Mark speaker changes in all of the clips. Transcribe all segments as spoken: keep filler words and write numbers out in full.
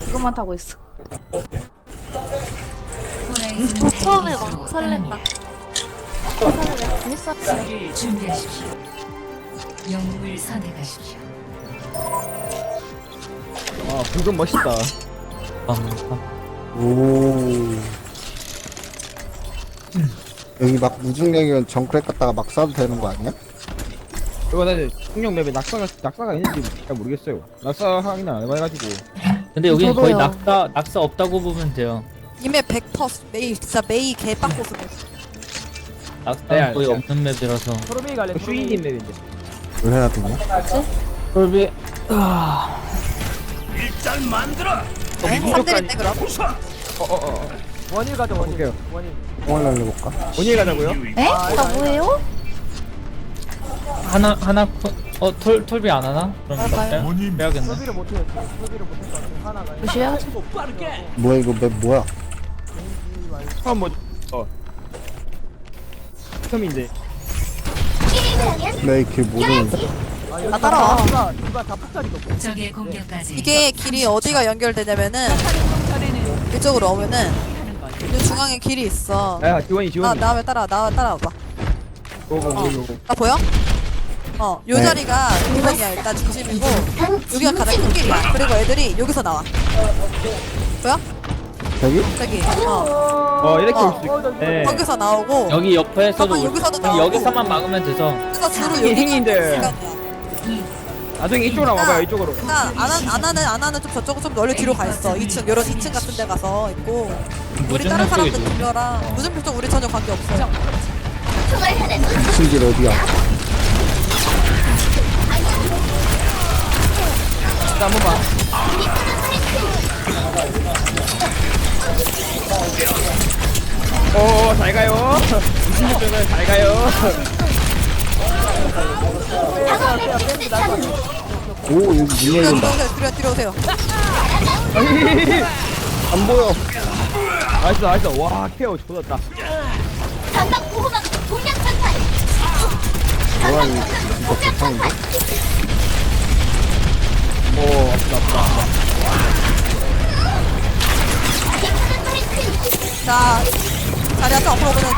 Speaker 1: 그것만 타고 있어.
Speaker 2: 처음에 막 설렜다. 설레네. 재밌어.
Speaker 3: 수비를 준비하십시오. 영웅을 선택하십시오.
Speaker 4: 아 붉은 멋있다.
Speaker 5: 오. 여기 막 무중력이면 정크랙 갔다가 막 쏴도 되는 거 아니야?
Speaker 4: 이거는 풍력 맵에 낙사가 낙사가 있는지 잘 모르겠어요. 낙사 확인 안 해봐가지고.
Speaker 6: 근데 여기는 거의
Speaker 1: 저도요.
Speaker 6: 낙사 낙사 없다고 보면 돼요.
Speaker 2: 이메 백 퍼센트 메이 진짜 메이 개빡고수.
Speaker 6: 낙사는
Speaker 4: 네,
Speaker 6: 거의
Speaker 4: 알죠.
Speaker 6: 없는 맵이라서.
Speaker 4: 슈이님 맵인데.
Speaker 5: 왜 해야 되냐?
Speaker 6: 솔비
Speaker 2: 네? 삼 대인데 그럼?
Speaker 4: 어어어. 원일 가자 원일.
Speaker 5: 공을 날려볼까?
Speaker 4: 원일 가자고요?
Speaker 1: 에? 나 뭐예요?
Speaker 6: 하나 하나 코- 어 톨, 톨비 안 하나? 그럼
Speaker 2: 아,
Speaker 6: 나
Speaker 2: 봐요.
Speaker 6: 빼- 빼야겠네.
Speaker 1: 무시해야지.
Speaker 5: 뭐야 이거 맵 뭐야?
Speaker 4: 처음 뭐 어. 처음인데.
Speaker 5: 나 이렇게 모르는데?
Speaker 2: 나 따라와.
Speaker 3: 적의 공격까지
Speaker 2: 이게 길이 어디가 연결되냐면은 이쪽으로 오면은 이 중앙에 길이 있어.
Speaker 4: 야 지원이
Speaker 2: 나
Speaker 4: 지원이.
Speaker 2: 나왜 따라 나 따라와봐.
Speaker 4: 고고고고.
Speaker 2: 나 보여? 어, 요
Speaker 5: 네.
Speaker 2: 자리가 기본이야 일단 중심이고 여기가 가장 큰 길이야. 그리고 애들이 여기서 나와. 보여?
Speaker 5: 저기?
Speaker 2: 저기. 어.
Speaker 4: 어 이렇게
Speaker 2: 어.
Speaker 4: 올 수 있. 네.
Speaker 2: 거기서 나오고
Speaker 6: 여기 옆에서도
Speaker 2: 잠깐,
Speaker 6: 올-
Speaker 2: 여기서도
Speaker 6: 그냥
Speaker 2: 나오고.
Speaker 6: 여기서만 막으면 돼서.
Speaker 2: 그래서 주로
Speaker 4: 이
Speaker 2: 여기
Speaker 4: 행인들. 나중에 이쪽으로 와봐요 이쪽으로.
Speaker 2: 일단 안, 하- 안 하는 안 하는 좀 저쪽은 좀 멀리 뒤로 가 있어. 이 층 이런 이 층 같은 데 가서 있고 우리 다른
Speaker 6: 무중력
Speaker 2: 사람들
Speaker 6: 쪽이죠.
Speaker 2: 들려라. 무슨 쪽 우리 전혀 관계 없어.
Speaker 5: 미친 길 어디야?
Speaker 4: 자 한번 봐. 어, 잘 가요. 이십육 점은 잘 가요.
Speaker 5: 오 여기 문
Speaker 2: 뒤로
Speaker 5: 열린다.
Speaker 2: 들어오세요. 뒤로 뒤로 오세요.
Speaker 5: 안 보여.
Speaker 4: 나이스, 나이스. 와, 케어 좋았다.
Speaker 5: 뭐야 이거 진짜 개판인데?
Speaker 4: 오, 아프다, 아프다, 아프다.
Speaker 2: 자, 자리 앞에 앞으로 오면은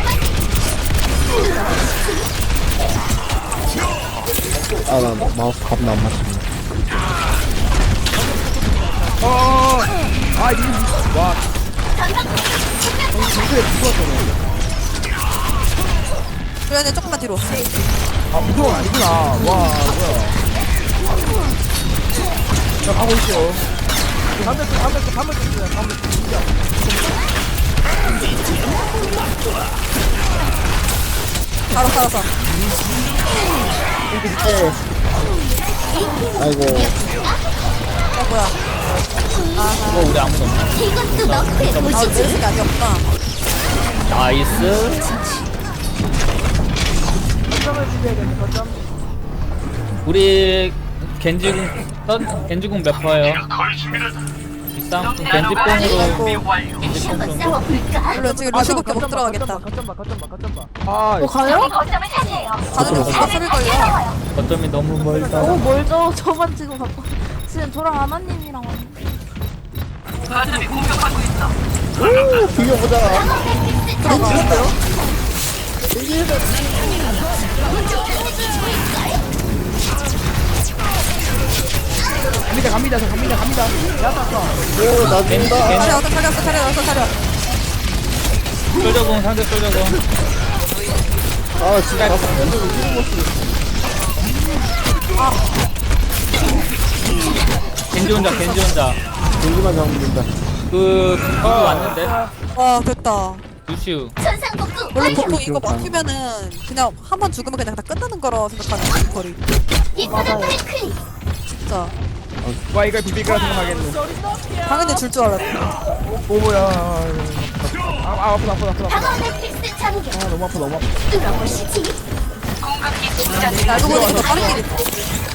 Speaker 5: 아나 마우스 겁나 안 맞추네.
Speaker 4: 어, 아, 이, 와.
Speaker 2: 그러면 조금만 뒤로.
Speaker 4: 아, 무서워 아니구나. 와, 뭐야. 자, 가고 있어. 한대 씩, 한대 씩, 한대 씩, 한대 씩.
Speaker 2: 바로 살아서.
Speaker 5: 아이고
Speaker 2: 어 뭐야?
Speaker 6: 이거 우리 아무도 없네.
Speaker 2: 아, 왼쪽이 아니었구나.
Speaker 6: 나이스. 우리 겐지궁 선 겐지궁 몇 퍼예요? 비싼 겐지뽕으로 겐지뽕 정도.
Speaker 2: 물론 지금 루시밖에 못 들어가겠다.
Speaker 4: 아,
Speaker 1: 또 가요?
Speaker 2: 가는 루시가 소리 걸려.
Speaker 6: 거점이 너무 멀다.
Speaker 1: 오 멀죠. 저만 지금 갖고. 지금 저랑 아나님이랑 왔는데.
Speaker 5: 비벼보자.
Speaker 4: 갑니다, 갑니다, 저 갑니다, 갑니다.
Speaker 5: 오나 죽는다.
Speaker 2: 차려 어서 차려 어서 차려 어서 차려.
Speaker 6: 솔저공 상대 솔저공.
Speaker 5: 아 진짜 가서
Speaker 6: 겐지 혼자 겐지 혼자.
Speaker 5: 공기만 잡으면 된다.
Speaker 6: 그 누구 왔는데?
Speaker 2: 와 됐다.
Speaker 6: 루시우.
Speaker 2: 원래 보통 이거 막히면은 그냥 한 번 죽으면 그냥 다 끝나는 거라 생각하는 거리.
Speaker 1: 맞아요.
Speaker 2: 진짜
Speaker 4: 와, 이걸 비빌 거라 생각하겠네.
Speaker 2: 당연히 줄 줄 알았어.
Speaker 4: 오, 뭐야. 아, 아, 아프다, 아프다, 아프다. 아프다. 아, 너무 아파, 너무 아파.
Speaker 2: 날도 보니 더 빠른 길이 있어.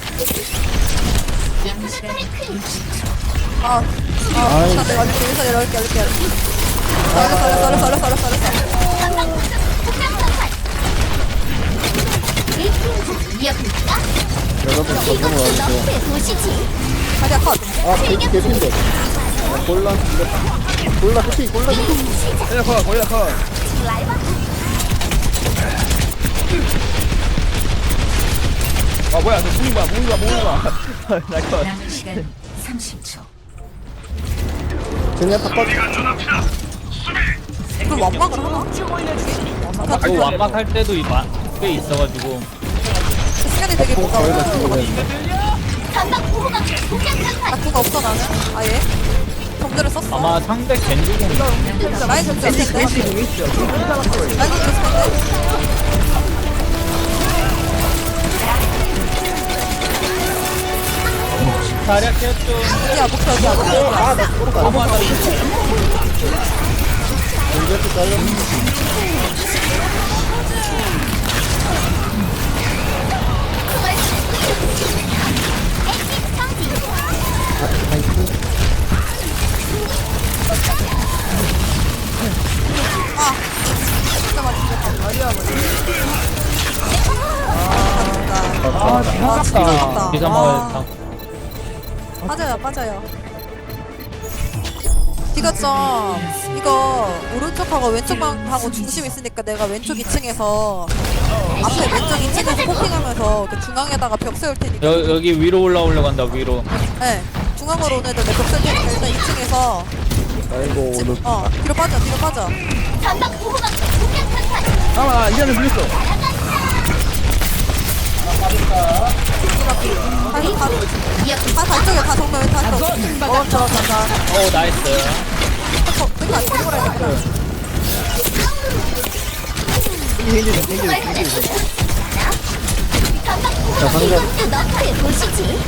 Speaker 2: 아, 아,
Speaker 5: 아이.
Speaker 2: 자, 내가 이렇게 여기서 내려올게, 이렇게. 알았어, 알았어, 알았어, 알았어, 알았어, 알았어.
Speaker 5: 여러분 저번에 와주세요.
Speaker 2: 자리야 컷.
Speaker 5: 아 개피 개피인데. 골라 이겼다. 골라 끝이 골라 끝이.
Speaker 4: 거기다 커 거기다 커 아 뭐야 저 무빙 봐 무빙 봐 무빙 봐나커
Speaker 3: 남은 시간 삼십 초.
Speaker 5: 그냥 다 꺼져.
Speaker 2: 그럼 완막을 하나?
Speaker 6: 그 완막할 때도 이 마- 꽤 있어가지고
Speaker 2: 그 시간이 되게 뭔가
Speaker 5: 거기다
Speaker 2: 어려운 것
Speaker 5: 쓰고
Speaker 2: 같아. 나 그거 없어 나는 아예 정글을 썼어.
Speaker 6: 아마 상대 겐지공
Speaker 2: 라인 정글 쓸 텐데. 라인 정글 쓸 텐데.
Speaker 6: 다략했죠.
Speaker 2: 여기야 목표 여기야 목표 여기야.
Speaker 5: 아나 꼬르가.
Speaker 6: 너무하다.
Speaker 5: 이렇게 잘렸네.
Speaker 4: 아
Speaker 2: 아 진짜 아깝다.
Speaker 6: 기사 먹어야겠다.
Speaker 2: 빠져요 빠져요. 이거 좀 이거 오른쪽하고 왼쪽하고 중심 있으니까 내가 왼쪽 이 층에서 앞에 왼쪽 이 층에서 포킹하면서 그 중앙에다가 벽 세울 테니까.
Speaker 6: 여, 여기 위로 올라오려고 한다 위로.
Speaker 2: 네 중앙으로 오는 애들 내벽 세울 테니까 일단 이 층에서
Speaker 5: 아이고 오늘
Speaker 2: 어 뒤로 빠져 뒤로 빠져.
Speaker 4: 잠깐만 이제는 물렸어
Speaker 2: 다시 다, 다 달쪽에 다 정면 다 쪽. 어 저거 저거.
Speaker 6: 어 나이스.
Speaker 2: 어 내가 안 들고 가야겠다.
Speaker 4: 이게 힘들어 힘들어 힘들어
Speaker 5: 자 상대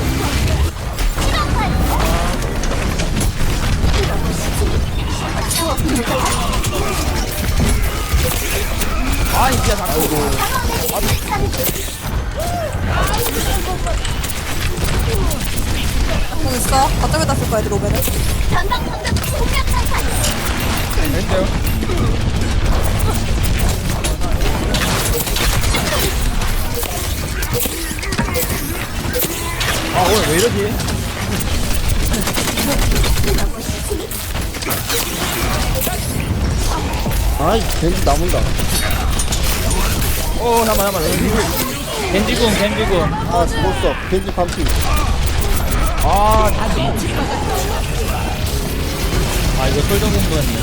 Speaker 4: 아니 진짜 자꾸
Speaker 2: 공 있어? 어쩌면 쓸 거야 애들 오면은.
Speaker 4: 됐어요 아 오늘 왜 이러지?
Speaker 5: 아이 겐지 남은다.
Speaker 4: 어 잠깐만 잠깐만
Speaker 6: 겐지공 겐지공.
Speaker 5: 아 죽었어. 겐지 반피.
Speaker 4: 아
Speaker 6: 아 이거 솔정 공부였네.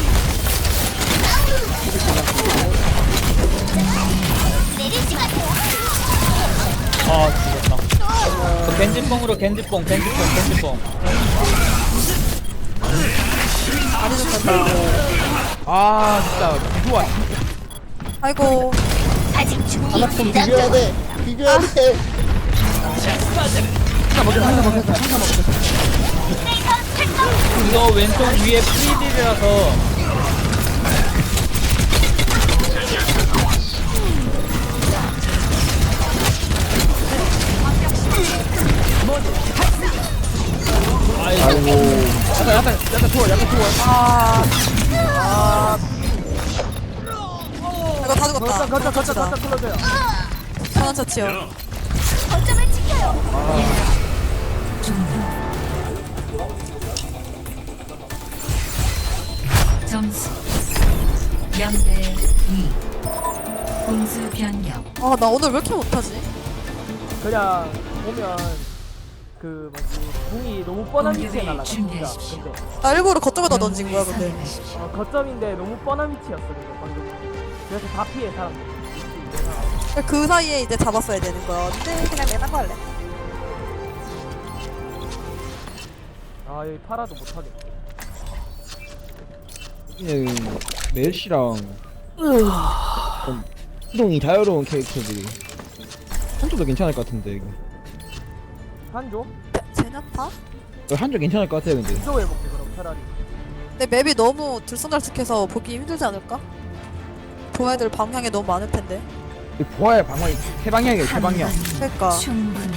Speaker 6: 아 죽었다. 그 겐지뽕으로 겐지뽕 겐지뽕 겐지뽕.
Speaker 2: 많이 좋겠다.
Speaker 4: 아 진짜 좋아
Speaker 2: 아이고.
Speaker 5: 하나 좀 비벼야 돼. 비벼야 돼.
Speaker 6: 이거 왼쪽 위에 프리딜이라서
Speaker 5: 아이고
Speaker 4: 약간 약간 약간 추워 약간 추워
Speaker 2: 아. 아. 이거 다 죽었다.
Speaker 4: 거쳐 거쳐 거쳐 끌어줘요
Speaker 2: 천원 처치요.
Speaker 3: 점수 영 대 이. 공수 변경.
Speaker 2: 아, 나 오늘 왜 이렇게 못하지?
Speaker 7: 그냥 보면 그 뭐지 궁이 너무 뻔한 위치에
Speaker 3: 공격을
Speaker 7: 날라가 진짜.
Speaker 3: 준비하십시오.
Speaker 7: 근데
Speaker 2: 나 일부러 거점에다 던진 거야, 근데.
Speaker 3: 선택하십시오.
Speaker 7: 어, 거점인데 너무 뻔한 위치였어 그거 방금. 그래서 다 피해 사람들.
Speaker 2: 그 사이에 이제 잡았어야 되는 거야. 근데 그냥 내가 거 할래.
Speaker 7: 아 여기 팔아도 못하겠네.
Speaker 4: 여기는 멜시랑 좀 이동이 자유로운 캐릭터들이 한쪽도 괜찮을 것 같은데 이거
Speaker 7: 한조?
Speaker 2: 제냐타?
Speaker 4: 어, 한쪽 괜찮을 것 같아요 근데
Speaker 7: 한조 해볼게 그럼 차라리.
Speaker 2: 근데 맵이 너무 들쑥날쑥해서 보기 힘들지 않을까? 보애들 방향이 너무 많을 텐데.
Speaker 4: 이 보아의 방향이 세 방향이에요 세 방향
Speaker 2: 그러니까.
Speaker 3: 충분해.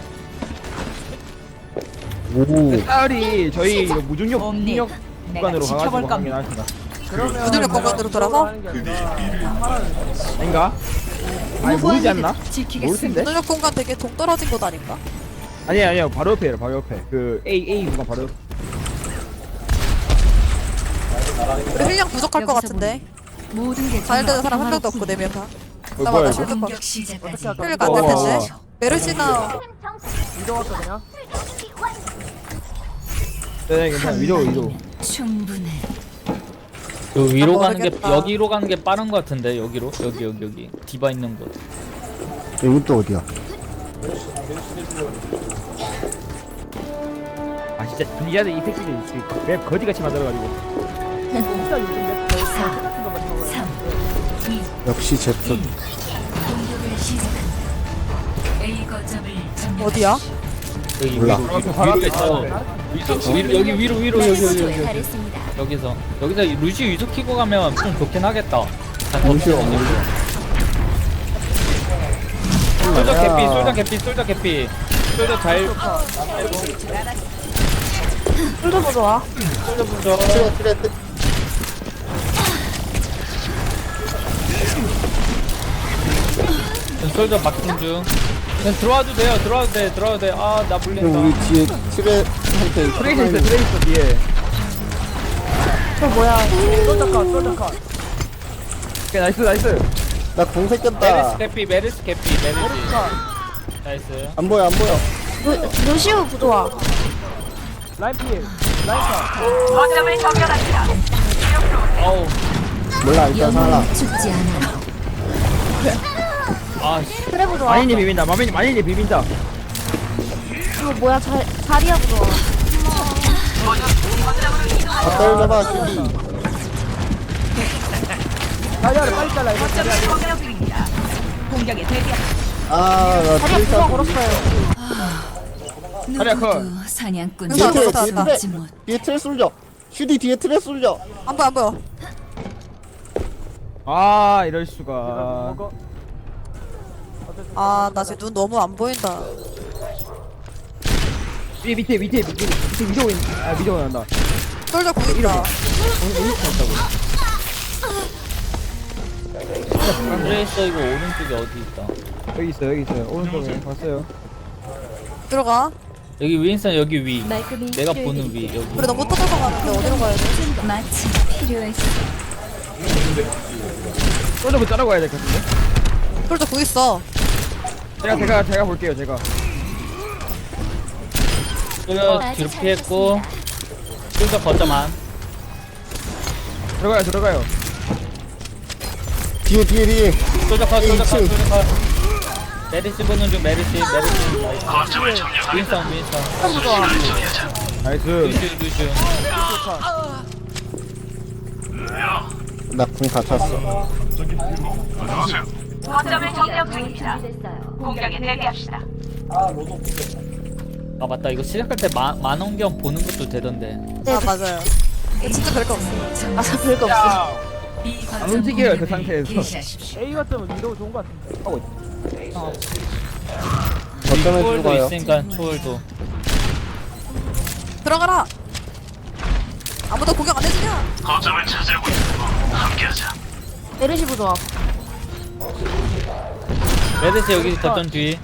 Speaker 5: 오
Speaker 4: 딸이 저희 이거 무중력
Speaker 3: 옴니,
Speaker 4: 무중력
Speaker 3: 내가
Speaker 4: 구간으로
Speaker 3: 지켜볼
Speaker 4: 가가지고
Speaker 3: 겁니다.
Speaker 4: 확인합니다
Speaker 7: 그러면
Speaker 2: 무중력
Speaker 7: 내가
Speaker 2: 공간으로
Speaker 7: 그거를
Speaker 2: 돌아서?
Speaker 7: 하는 게 아니라 팔아를
Speaker 4: 아닌가? 아니 모르지 않나? 모를
Speaker 3: 지키겠습니다.
Speaker 4: 텐데?
Speaker 2: 무능력 공간 되게 동떨어진 곳 아닌가?
Speaker 4: 아니야 아니야 바로 옆에요 바로 옆에 그 A A 구간 바로 옆
Speaker 2: 우리 힐량 부족할 것 같은데.
Speaker 3: 모든 게
Speaker 2: 잘 되는 사람 한 명도 없고 네 명 다.
Speaker 4: 어,
Speaker 2: 나마다
Speaker 4: 뭐야,
Speaker 2: 실드 거.
Speaker 3: 공격 시작까지
Speaker 7: 어떻게
Speaker 2: 힐가
Speaker 7: 할까?
Speaker 2: 안될
Speaker 4: 어.
Speaker 2: 텐데. 메르시나
Speaker 7: 이동할까 그냥?
Speaker 4: 네, 괜찮아. 위로, 위로.
Speaker 3: 충분해.
Speaker 6: 그 위로
Speaker 2: 아,
Speaker 6: 가는 게
Speaker 2: 모르겠다.
Speaker 6: 여기로 가는 게 빠른 것 같은데 여기로 여기 여기 여기 디바 있는 곳.
Speaker 5: 여기 또 어디야?
Speaker 4: 아, 진짜. 분리자들 이 새끼들 이 맵 거지같이 만들어가지고.
Speaker 7: 진짜 요즘 맵 거의 다 똑같은 것만 나와요.
Speaker 3: 삼, 이,
Speaker 5: 역시 제트.
Speaker 3: 공격을 시작한다. A 거점을 점령.
Speaker 2: 어디야?
Speaker 6: 여기
Speaker 5: 몰라.
Speaker 6: 위로 위로 위로 있어. 위로 위로 여기 위로 위로 여기 여기 여기 여기. 여기서 여기서 루시 위로 키고 가면 좀 좋긴 하겠다. 자, 더
Speaker 5: 루시오
Speaker 6: 키워. 솔저 개피 솔저 개피 솔저 개피 솔저 잘
Speaker 1: 꿀도 보좋아.
Speaker 6: 솔저 부져.
Speaker 5: 트레 트레 트레.
Speaker 6: 솔저 막힌 중. 그냥 들어와도 돼요 들어와도 돼 들어와도 돼아나
Speaker 5: 그럼
Speaker 6: 물린다.
Speaker 5: 우리 뒤에 트레한테
Speaker 4: 트레이서 있어, 트레이서 뒤에.
Speaker 1: 저 뭐야?
Speaker 7: 솔저카 솔저카.
Speaker 4: 오케이, 나이스, 나이스.
Speaker 5: 나공
Speaker 6: 메르스
Speaker 5: 새꼈다.
Speaker 6: 개피 메르스 개피 메르스 나이스.
Speaker 5: 안 보여 안 보여.
Speaker 1: 루, 루시우 부좋아.
Speaker 7: 라인 필. 라인 카.
Speaker 6: 어우
Speaker 5: 몰라 일단 살아.
Speaker 3: 죽지 않아.
Speaker 6: 아씨
Speaker 1: 그래 부좋아.
Speaker 4: 마니님 비빈다, 마니님, 마니님 비빈다.
Speaker 1: 이거 뭐야? 자, 자리야 부좋아.
Speaker 5: 다 떨려봐 슈디.
Speaker 7: 자리야를 빨리 잘라 이거.
Speaker 5: 아나
Speaker 1: 자리야
Speaker 5: 트레
Speaker 1: 부좋아 걸었어요.
Speaker 4: 자리야, 컷.
Speaker 3: 누구도 사냥꾼
Speaker 2: 뒤에 트레,
Speaker 3: 잡을 수
Speaker 2: 뒤에
Speaker 3: 없지 못.
Speaker 5: 뒤에 트레 쏠려. 슈디 뒤에 트레 쏠려.
Speaker 2: 안 보여 안 보여.
Speaker 4: 아, 이럴
Speaker 7: 제발
Speaker 4: 수가.
Speaker 7: 먹어.
Speaker 2: 아 나 지금 눈 너무 안 보인다.
Speaker 4: 위에 밑에, 밑에, 밑에, 밑에 위로 있, 아, 위로 난다.
Speaker 2: 솔저 구 있다.
Speaker 6: 트레이서 이거 오른쪽에 어디 있다.
Speaker 4: 여기 있어, 여기 있어요. 오른쪽에 봤어요.
Speaker 2: 들어가.
Speaker 6: 여기 윈선 여기 위.
Speaker 3: 말끔히
Speaker 6: 내가 보는 위 여기.
Speaker 2: 우리 너못 터져서 가는데 어디로 가야 돼?
Speaker 3: 마치 필요했어.
Speaker 4: 솔저부 자르고 가야 될 것 같은데.
Speaker 2: 솔저 구 있어.
Speaker 4: 제가, 제가, 제가 볼게요, 제가.
Speaker 6: 솔저 뒤로 피했고 솔저 거점만.
Speaker 4: 들어가요, 들어가요.
Speaker 5: 뒤에 뒤에 뒤에.
Speaker 6: 솔저 컷 솔저 컷
Speaker 5: 이 층.
Speaker 6: 솔저 컷. 메르시 보는 중 메르시 메르시 나이스. 윈선 윈선.
Speaker 4: 나이스.
Speaker 6: 루슈 루슈.
Speaker 5: 나 공 다 찼어.
Speaker 6: 아 맞다 이거 시작할 때 마, 만원경 보는 것도 되던데.
Speaker 2: 아 맞아요. 이거 진짜 별거 없어.
Speaker 1: 아, 저 별거 없어.
Speaker 3: B 거점
Speaker 4: 안 움직여요, 그
Speaker 3: 공격을
Speaker 4: 상태에서.
Speaker 3: 개시하십시오.
Speaker 7: A 같으면 위도 좋은 것 같은데.
Speaker 5: 어쩌면
Speaker 6: 초월도
Speaker 5: 죽어요.
Speaker 6: 있으니까 초월도.
Speaker 2: 들어가라. 아무도 공격 안 해주냐?
Speaker 1: 메르시 부좋아.
Speaker 6: 메르시 여기 거점 뒤.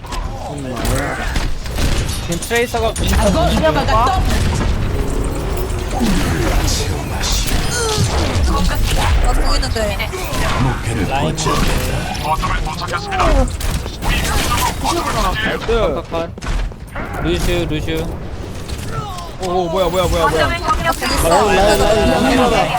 Speaker 6: 지금 트레이서가 윈선 보는 중.
Speaker 1: 이겨볼까?
Speaker 2: 나도 공 있는데.
Speaker 6: 라인
Speaker 4: 나이스.
Speaker 6: 컷. 루슈 루슈.
Speaker 4: 오, 오, 뭐야, 뭐야, 뭐야, 뭐야.
Speaker 5: 라인 라인 라인 라인 라인.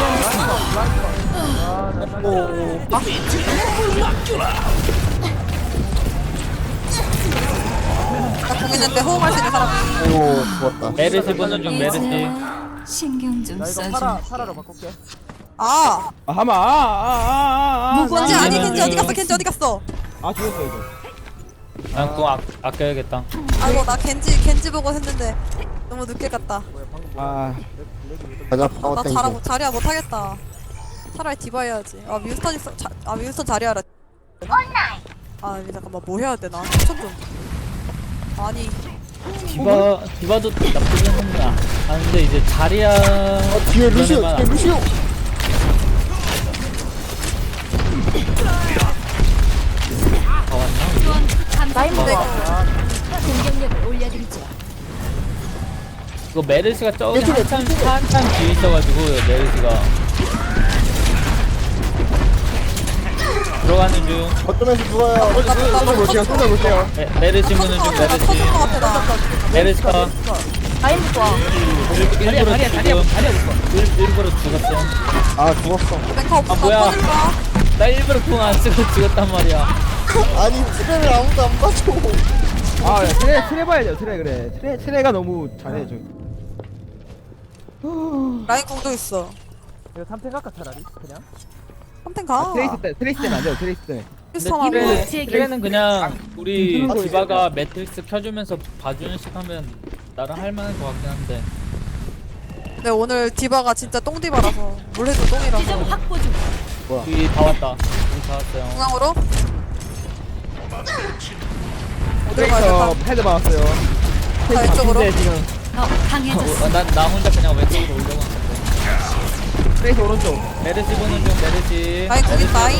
Speaker 2: 나 공 있는데 호응할 수 있는 사람.
Speaker 5: 아이고 죽었다.
Speaker 6: 메르시 보는 중 메르시.
Speaker 3: 이제 신경 좀
Speaker 7: 나 이거
Speaker 3: 써줘.
Speaker 7: 파라 파라로 바꿀게.
Speaker 2: 아.
Speaker 4: 아, 하마, 아, 아, 아, 아, 아.
Speaker 2: 켄지
Speaker 6: 나-
Speaker 2: 아니
Speaker 6: 나-
Speaker 2: 켄지 어디 갔어? 켄지 어디 갔어?
Speaker 4: 아, 죽었어, 이거.
Speaker 6: 난 그거 아, 아껴야겠다.
Speaker 2: 아이고 나 켄지 켄지 보고 했는데 너무 늦게 갔다.
Speaker 4: 아,
Speaker 5: 가자 파워
Speaker 2: 나
Speaker 5: 땡겨.
Speaker 2: 자라 자리야 못하겠다. 차라리 디바 해야지. 아 윈스턴 있어. 자, 아 윈스턴 자리하라. 아 잠깐만 뭐 해야 되나? 추천 좀. 아니
Speaker 6: 디바 디바도 나쁘긴 합니다. 아 근데 이제 자리야.
Speaker 5: 어, 뒤에 루시오
Speaker 6: 그런 애만
Speaker 5: 뒤에 루시오.
Speaker 6: 다 왔나?
Speaker 1: 라인
Speaker 2: 근데
Speaker 1: 부좋아.
Speaker 3: 공격력을 올려드리죠.
Speaker 6: 이거 메르시가 저기 한참 한참 뒤에 있어가지고 메르시가 들어가는 중.
Speaker 5: 거점에서 죽어요.
Speaker 4: 쏘자 볼게요 쏘자 볼게요.
Speaker 6: 메, 메르시 무는 중
Speaker 2: 터질
Speaker 6: 메르시.
Speaker 2: 것 같아 나.
Speaker 6: 메르시가
Speaker 7: 라인 좋아.
Speaker 6: 일부러 지금 일, 일부러 죽었어요.
Speaker 5: 아 죽었어.
Speaker 2: 랭카 없어.
Speaker 6: 아, 뭐야.
Speaker 2: 터질까?
Speaker 6: 나 일부러 궁 안 쓰고 죽었단 말이야.
Speaker 5: 아니 트레를 아무도 안 봐줘.
Speaker 4: 아 야, 트레 트레 봐야죠 트레 그래. 트레 트레가 너무 잘해 저.
Speaker 2: 라인 공도 있어.
Speaker 7: 이거 삼탱 갈까 차라리 그냥.
Speaker 2: 한텐 가.
Speaker 4: 트레이스 때 트레이스 때는 안 돼요 트레이스 때.
Speaker 6: 근데
Speaker 2: 비슷하고.
Speaker 6: 트레는, 트레는 그냥 우리
Speaker 5: 아,
Speaker 6: 디바가 매트릭스 켜주면서 봐주는 식 하면 나랑 할만한 것 같긴 한데.
Speaker 2: 근데 오늘 디바가 진짜 똥디바라서 뭘 해도 똥이라서.
Speaker 6: 여기 다 왔다. 여기 다 왔어요.
Speaker 2: 중앙으로. 어디로
Speaker 4: 트레이서
Speaker 2: 가야겠다.
Speaker 4: 패드 받았어요.
Speaker 2: 자 이쪽으로.
Speaker 4: 근데 지금
Speaker 3: 더 강해졌어.
Speaker 6: 어, 나, 나 혼자 그냥 왼쪽으로 올려고 하는데.
Speaker 4: 트레이서 오른쪽.
Speaker 6: 메르시 보는 중 메르시.
Speaker 2: 라인 거기 라인.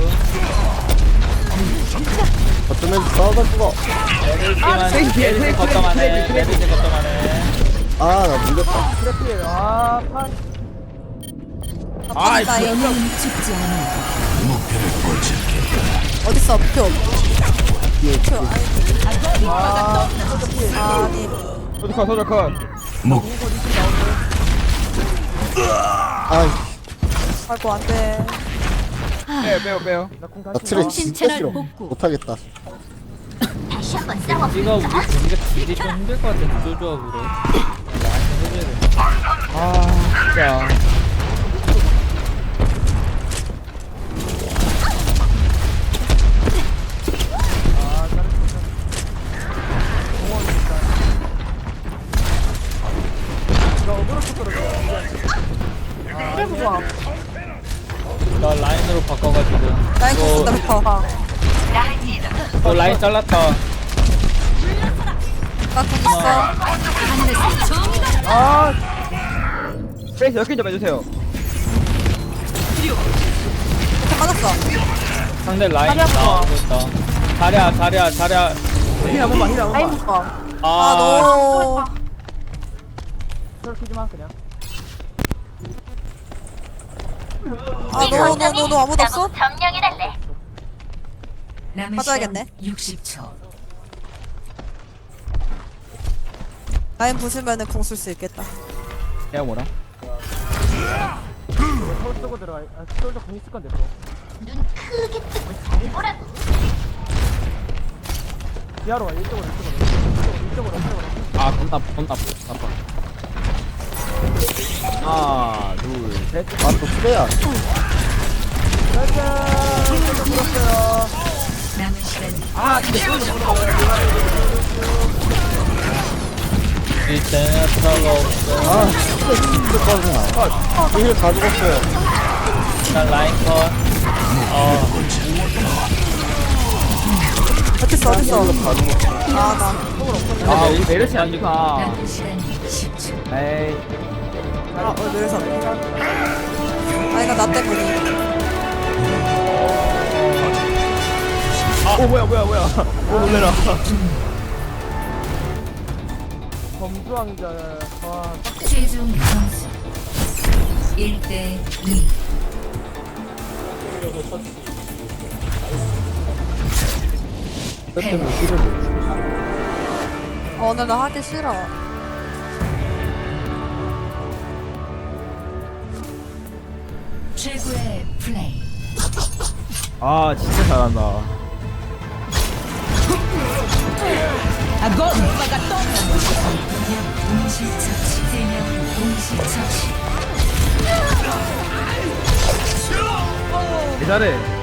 Speaker 5: 거점에서 싸우다 죽어.
Speaker 6: 메르시만
Speaker 4: 트레이스 뒤에,
Speaker 6: 메르시
Speaker 4: 트레이스,
Speaker 6: 걱정하네.
Speaker 4: 트레이스,
Speaker 6: 메르시 걱정하네.
Speaker 5: 아 나 물렸다.
Speaker 7: 트래필 아 판.
Speaker 4: 아,
Speaker 2: 라인.
Speaker 3: 영웅은 죽지 않아.
Speaker 2: 어딨어 표. 표. 아니.
Speaker 4: 소주 컷 소주 컷.
Speaker 5: 아
Speaker 2: 아이고 안돼.
Speaker 4: 빼요 빼요 빼요.
Speaker 7: 나공
Speaker 5: 나
Speaker 7: 다시.
Speaker 5: 트레
Speaker 3: 통신
Speaker 5: 진짜
Speaker 3: 채널
Speaker 5: 싫어.
Speaker 3: 복구.
Speaker 5: 못하겠다.
Speaker 6: 겐지가 우리 겐지가 딜이 좀 힘들 것 같아. 구조조합으로. 나한테 해줘야 돼.
Speaker 4: 아 진짜.
Speaker 7: 아 잘했어. 공원이니까. 나 어그로 쳤더라고. 그래 보자.
Speaker 6: 나 라인으로 바꿔가지고.
Speaker 2: 라인 공 쓴다
Speaker 6: 어,
Speaker 2: 백 퍼.
Speaker 6: 어 라인 잘랐다.
Speaker 2: 나공 있어.
Speaker 7: 아
Speaker 4: 트레이서 역행 좀 해주세요.
Speaker 2: 이렇게 맞았어.
Speaker 6: 상대 라인
Speaker 7: 자리야,
Speaker 6: 나오고 있다. 자리야 자리야 자리야.
Speaker 4: 힐한 번만 힐한
Speaker 7: 라인
Speaker 4: 번만.
Speaker 7: 묶어.
Speaker 2: 아
Speaker 6: 아
Speaker 2: 너.
Speaker 7: 저렇게지만 그냥.
Speaker 2: 아너너너 너, 너 아무도 없어?
Speaker 3: 남은
Speaker 2: 맞아야겠네.
Speaker 3: 시간 육십 초.
Speaker 2: 라인 부수면은 공 쓸 수 있겠다.
Speaker 4: 내가 뭐라?
Speaker 7: 서울 쓰고 들어가. 아 솔저 공 있을 건데 또. 지하로 와 이쪽으로 이쪽으로 이쪽으로 이쪽으로 이쪽으로.
Speaker 4: 아 겁나 겁나 나빠. 하나 둘 셋.
Speaker 5: 아또 트레야.
Speaker 7: 짜잔. 솔저 물었어요.
Speaker 3: 남은 시간
Speaker 6: 이 제네타가 없어.
Speaker 5: 아 진짜 빠르냐. 힐다 죽었어요.
Speaker 6: 일단 라인 컷. 어
Speaker 2: 어딨어 어딨어.
Speaker 5: 다 죽었어.
Speaker 2: 아나.
Speaker 4: 아 우리 메르시 안 좋다.
Speaker 3: 남은 시간 십 초.
Speaker 4: 에이.
Speaker 2: 아 어, 그래서. 아 이거 나 때문에.
Speaker 4: 오 뭐야 뭐야 뭐야. 오 놀래라.
Speaker 7: 범주왕자. 와.
Speaker 3: 최종 점수 일 대 이.
Speaker 5: 때문에 힐을 못 줘.
Speaker 2: 어, 오늘 나 하기 싫어.
Speaker 3: 최고의 플레이.
Speaker 4: 아 진짜 잘한다.
Speaker 3: 동시 처치. 세 명 동시 처치.
Speaker 4: 개 잘해.